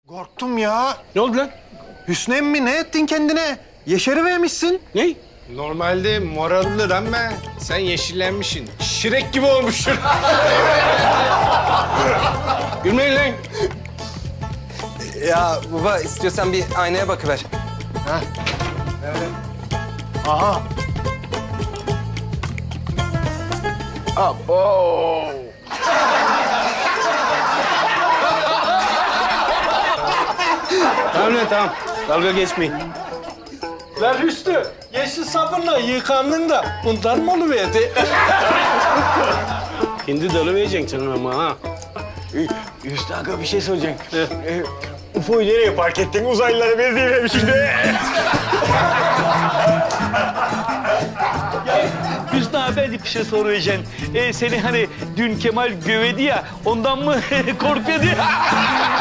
Korktum ya. Ne oldu lan? Hüsnü emmi ne ettin kendine? Yeşerivermişsin. Ne? Normalde morallidir ama sen yeşillenmişsin. Şirek gibi olmuşsun. Gülmeyin lan. Ya baba istiyorsan bir aynaya bakıver. Aha. Tamam lan tamam. Dalga geçmeyin. Lan Hüsnü, yeşil sabunla yıkandın da bundan mı oluverdi? Hindi dalı vereceksin sen ama ha. Hüsnü Aga bir şey soracağım. UFO'yu nereye park ettin? Uzaylılara benzeyememiş şimdi. Hüsnü abi ben de bir şey soracağım. Seni hani dün Kemal gövedi ya ondan mı korkuyordu?